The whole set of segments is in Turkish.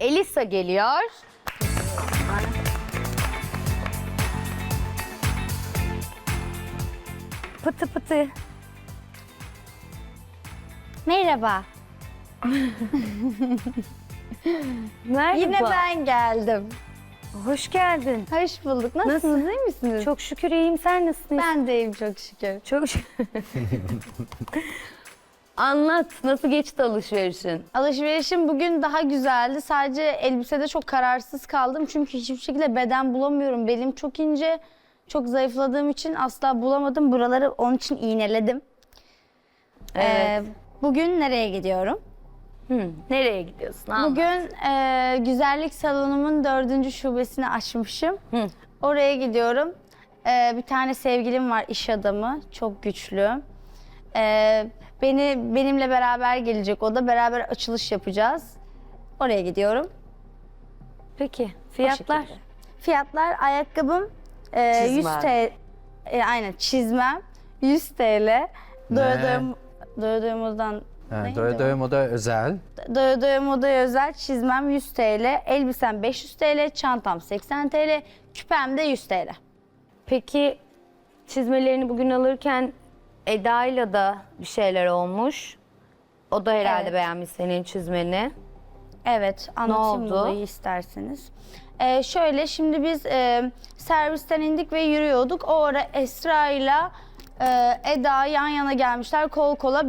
Elisa geliyor. Pıtı pıtı. Merhaba. Merhaba. Yine ben geldim. Hoş geldin. Hoş bulduk. Nasılsınız? İyi misiniz? Çok şükür iyiyim. Sen nasılsın? Ben de iyiyim çok şükür. Çok şükür. Anlat. Nasıl geçti alışverişin? Alışverişim bugün daha güzeldi. Sadece elbisede çok kararsız kaldım. Çünkü hiçbir şekilde beden bulamıyorum. Belim çok ince. Çok zayıfladığım için asla bulamadım. Buraları onun için iğneledim. Evet. Bugün nereye gidiyorum? Nereye gidiyorsun? Anlat. Bugün güzellik salonumun 4. şubesini açmışım. Hı. Oraya gidiyorum. Bir tane sevgilim var, iş adamı. Çok güçlü. Benimle beraber gelecek o da. Beraber açılış yapacağız. Oraya gidiyorum. Peki. O Fiyatlar? şekilde. Fiyatlar ayakkabım 100 TL. Aynen çizmem 100 TL. Doya modadan Doya moda özel. Doya modaya özel çizmem 100 TL, elbisem 500 TL, çantam 80 TL, küpem de 100 TL. Peki çizmelerini bugün alırken Eda'yla da bir şeyler olmuş. O da herhalde Evet. beğenmiş senin çizmeni. Evet, anlatayım oldu? olayı isterseniz. Şöyle, şimdi biz servisten indik ve yürüyorduk. O ara Esra ile Eda yan yana gelmişler kol kola.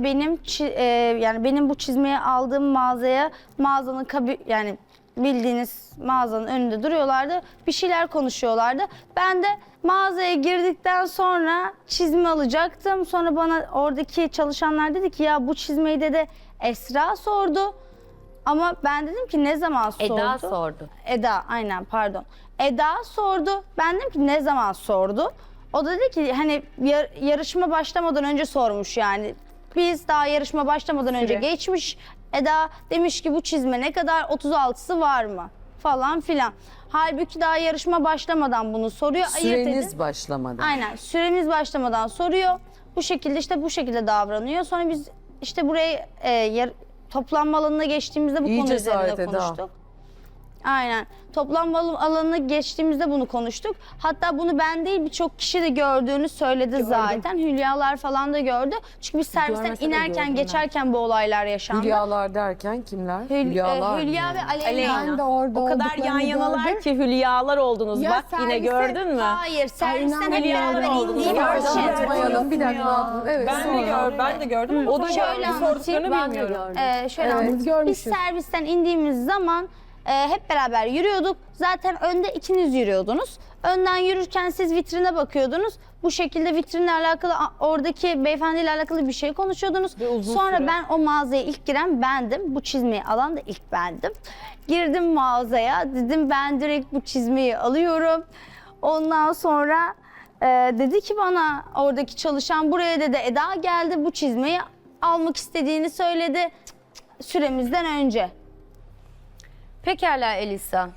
Yani benim bu çizmeyi aldığım mağazanın yani bildiğiniz mağazanın önünde duruyorlardı. Bir şeyler konuşuyorlardı. Ben de mağazaya girdikten sonra çizme alacaktım. Sonra bana oradaki çalışanlar dedi ki ya bu çizmeyi de Esra sordu. Ama ben dedim ki ne zaman sordu? Eda sordu. Eda, aynen pardon. Eda sordu. Ben dedim ki ne zaman sordu? O da dedi ki hani yarışma başlamadan önce sormuş yani. Biz daha yarışma başlamadan önce geçmiş. Eda demiş ki bu çizme ne kadar, 36'sı var mı? Falan filan. Halbuki daha yarışma başlamadan bunu soruyor. Süreniz başlamadan. Aynen, süremiz başlamadan soruyor. Bu şekilde davranıyor. Sonra biz işte buraya toplanma alanına geçtiğimizde bu İyi konu cesaret üzerinde Eda. konuştuk. Aynen. Toplanma alanına geçtiğimizde bunu konuştuk. Hatta bunu ben değil birçok kişi de gördüğünü söyledi zaten. Hülyalar falan da gördü. Çünkü biz servisten Görmese de inerken, gördüm ben. geçerken bu olaylar yaşandı. Hülyalar derken kimler? Hülya mı? ve Aleyna. Ben de orada O kadar yan yanalar ki hülyalar oldunuz. Ya Bak yine servise- gördün mü? Hayır, servisten hep inanmıyorum. beraber indiğimiz için. Unutmayalım. Bir dakika. Evet. Ben de gördüm. O da Şöyle şöyle anlatayım. sorduklarını bilmiyorum. Şöyle Evet, anlatayım. Biz görmüşüz. servisten indiğimiz zaman hep beraber yürüyorduk. Zaten önde ikiniz yürüyordunuz. Önden yürürken siz vitrine bakıyordunuz. Bu şekilde vitrinle alakalı oradaki beyefendiyle alakalı bir şey konuşuyordunuz. Sonra ben o mağazaya ilk giren bendim. Bu çizmeyi alan da ilk bendim. Girdim mağazaya. Dedim ben direkt bu çizmeyi alıyorum. Ondan sonra dedi ki bana oradaki çalışan buraya dedi Eda geldi bu çizmeyi almak istediğini söyledi süremizden önce. Pekala Elisa.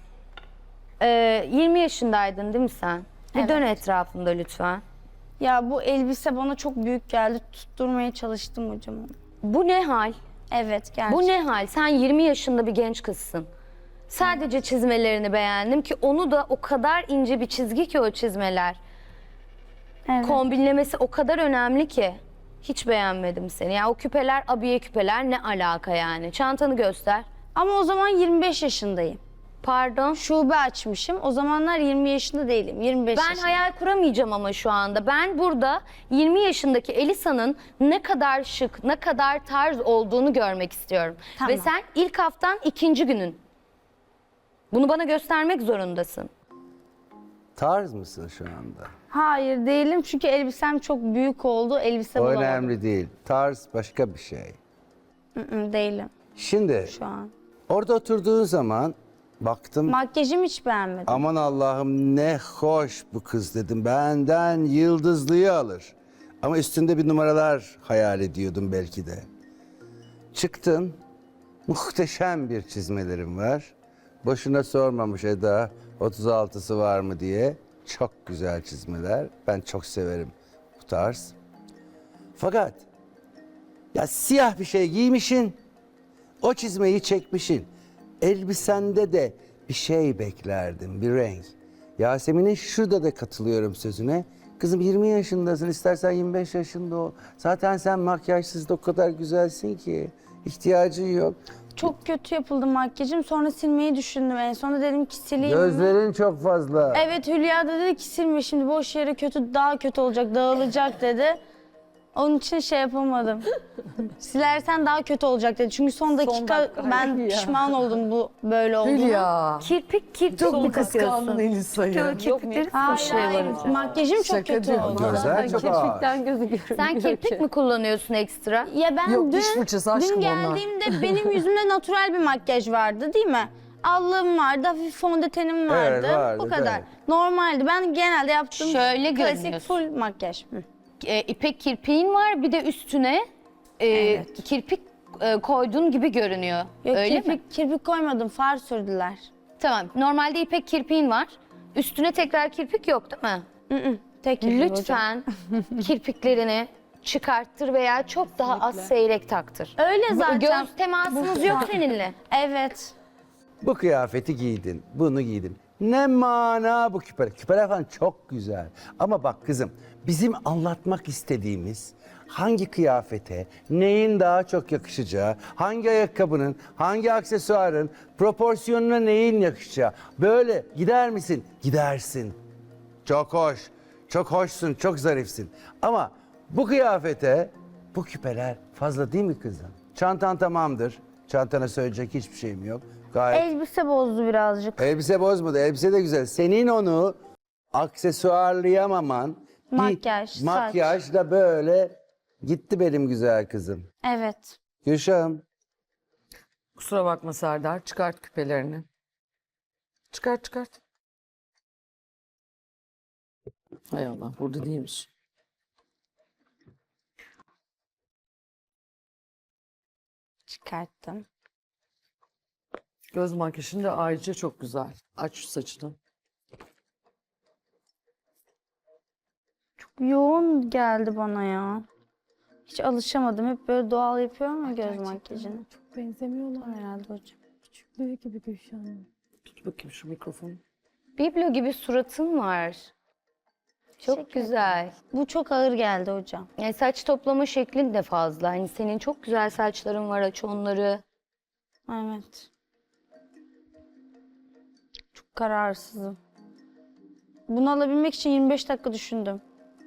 20 yaşındaydın değil mi sen? Bir dön etrafında lütfen. Ya bu elbise bana çok büyük geldi. Tutturmaya çalıştım hocam. Bu ne hal? Evet gerçekten. Bu ne hal? Sen 20 yaşında bir genç kızsın. Sadece çizmelerini beğendim ki onu da o kadar ince bir çizgi ki o çizmeler. Evet. Kombinlemesi o kadar önemli ki. Hiç beğenmedim seni. Ya o küpeler, abiye küpeler ne alaka yani? Çantanı göster. Ama o zaman 25 yaşındayım. Pardon. Şube açmışım. O zamanlar 20 yaşında değilim. 25 Ben yaşındayım. hayal kuramayacağım ama şu anda. Ben burada 20 yaşındaki Elisa'nın ne kadar şık, ne kadar tarz olduğunu görmek istiyorum. Tamam. Ve sen ilk haftan 2. günün. Bunu bana göstermek zorundasın. Tarz mısın şu anda? Hayır değilim çünkü elbisem çok büyük oldu. Elbise O bulamadım. önemli değil. Tarz başka bir şey. Değilim Şimdi şu an. orada oturduğun zaman baktım Makyajımı hiç beğenmedim. aman Allah'ım ne hoş bu kız dedim. Benden yıldızlıyı alır. Ama üstünde bir numaralar hayal ediyordum belki de. Çıktın. Muhteşem bir çizmelerim var. Boşuna sormamış Eda 36'sı var mı diye. Çok güzel çizmeler. Ben çok severim bu tarz. Fakat ya siyah bir şey giymişin. O çizmeyi çekmişin. elbisende de bir şey beklerdim, bir renk. Yasemin'in şurada da katılıyorum sözüne. Kızım 20 yaşındasın, istersen 25 yaşında ol. Zaten sen makyajsız da o kadar güzelsin ki. İhtiyacın yok. Çok kötü yapıldı makyajım. Sonra silmeyi düşündüm en sonunda. Dedim ki sileyim mi? Gözlerin çok fazla. Evet, Hülya da dedi ki silme şimdi, boş yere daha kötü olacak, dağılacak dedi. Onun için şey yapamadım. Silersen daha kötü olacak dedi. Çünkü son dakika ben pişman oldum bu böyle olduğuna. Hülya. Kirpik Çok mu mi kıskandın takıyorsun? Elisa'yı? Kirpikleri Hayır, makyajım çok Şaka kötü değil. oldu. Gözler çok ağır. Sen kirpik mi kullanıyorsun ekstra? Ya ben Yok, diş fırçası aşkım dün onlar. geldiğimde benim yüzümde natural bir makyaj vardı değil mi? Allığım vardı, hafif fondötenim vardı. vardı, Bu kadar. evet. Normaldi. Ben genelde yaptığım Şöyle klasik görünüyorsun. full makyaj. Hı. İpek kirpiğin var, bir de üstüne kirpik koyduğun gibi görünüyor. Yok, Öyle mi? kirpik koymadım, far sürdüler. Tamam. Normalde ipek kirpiğin var. Üstüne tekrar kirpik yok değil mi? Tek kirpik hocam. Lütfen kirpiklerini çıkarttır veya çok daha az seyrek taktır. Öyle zaten. Göz temasımız yok seninle. Evet. Bu kıyafeti giydin, bunu giydin. Ne mana bu küpeler. Küpeler falan çok güzel. Ama bak kızım, bizim anlatmak istediğimiz hangi kıyafete, neyin daha çok yakışacağı, hangi ayakkabının, hangi aksesuarın, proporsiyonuna neyin yakışacağı. Böyle gider misin? Gidersin. Çok hoş, çok hoşsun, çok zarifsin. Ama bu kıyafete bu küpeler fazla değil mi kızım? Çantan tamamdır. Çantana söyleyecek hiçbir şeyim yok. Gayet. Elbise bozdu birazcık. Elbise bozmadı. Elbise de güzel. Senin onu aksesuarlayamaman, bir Makyaj, saç. makyajla böyle gitti benim güzel kızım. Evet. Gülşah'ım. Kusura bakma Serdar. Çıkart küpelerini. Çıkart çıkart. Hay Allah, burada değilmiş. Çıkarttım. Göz makyajın da ayrıca çok güzel. Aç şu saçını. Yoğun geldi bana ya. Hiç alışamadım. Hep böyle doğal yapıyorum ya göz makyajını. Çok benzemiyorlar. Herhalde hocam. Küçüklüğü gibi Gülşah'ın. Tut bakayım şu mikrofonu. Biblo gibi suratın var. Çok güzel. Bu çok ağır geldi hocam. Yani saç toplama şeklin de fazla. Hani senin çok güzel saçların var, aç onları. Evet. Çok kararsızım. Bunu alabilmek için 25 dakika düşündüm.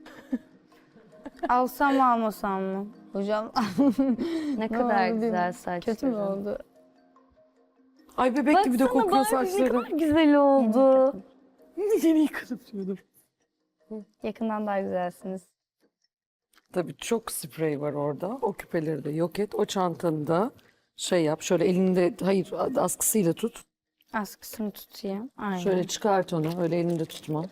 Alsam mı almasam mı? Hocam Ne kadar oldu, güzel saçların. kötü mü oldu? Ay bebek gibi de kokuyor saçları. Güzel oldu. Yeni yıkadım diyordum. Yakından daha güzelsiniz. Tabii çok sprey var orada. O küpeleri de yok et. O çantanı da şey yap. Şöyle elinde, hayır askısıyla tut. Askısını tutayım. Aynen. Şöyle çıkart onu. Öyle elinde tutma.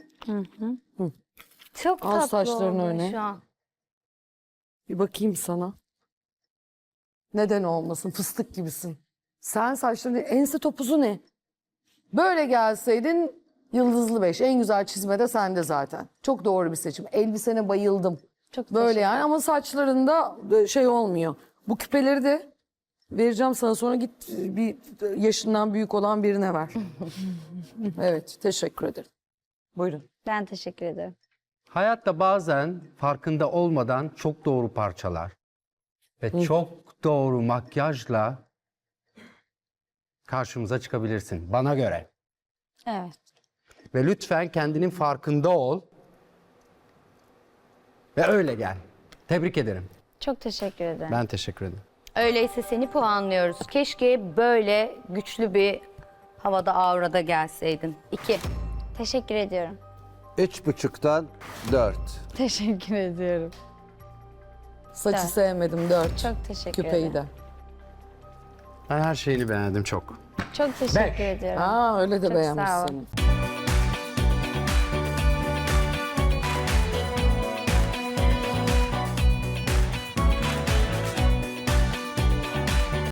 Çok Al tatlı saçlarını oldu öne. şu an. Bir bakayım sana. Neden olmasın? Fıstık gibisin. Sen saçların ense topuzu ne? Böyle gelseydin yıldızlı 5. En güzel çizme de sende zaten. Çok doğru bir seçim. Elbisene bayıldım. Çok Böyle yani ama saçlarında şey olmuyor. Bu küpeleri de vereceğim sana, sonra git bir yaşından büyük olan birine ver. Evet, teşekkür ederim. Buyurun. Ben teşekkür ederim. Hayatta bazen farkında olmadan çok doğru parçalar ve çok doğru makyajla karşımıza çıkabilirsin bana göre. Evet. Ve lütfen kendinin farkında ol ve öyle gel. Tebrik ederim. Çok teşekkür ederim. Ben teşekkür ederim. Öyleyse seni puanlıyoruz. Keşke böyle güçlü bir havada, aurada gelseydin. 2. Teşekkür ediyorum. 3,5'tan 4. Teşekkür ediyorum. Saçı Evet. sevmedim 4. Çok teşekkür Küpeyi ederim. de. Ben her şeyini beğendim çok. Çok teşekkür ediyorum. Aa öyle de Çok sağ ol. beğenmiş seni.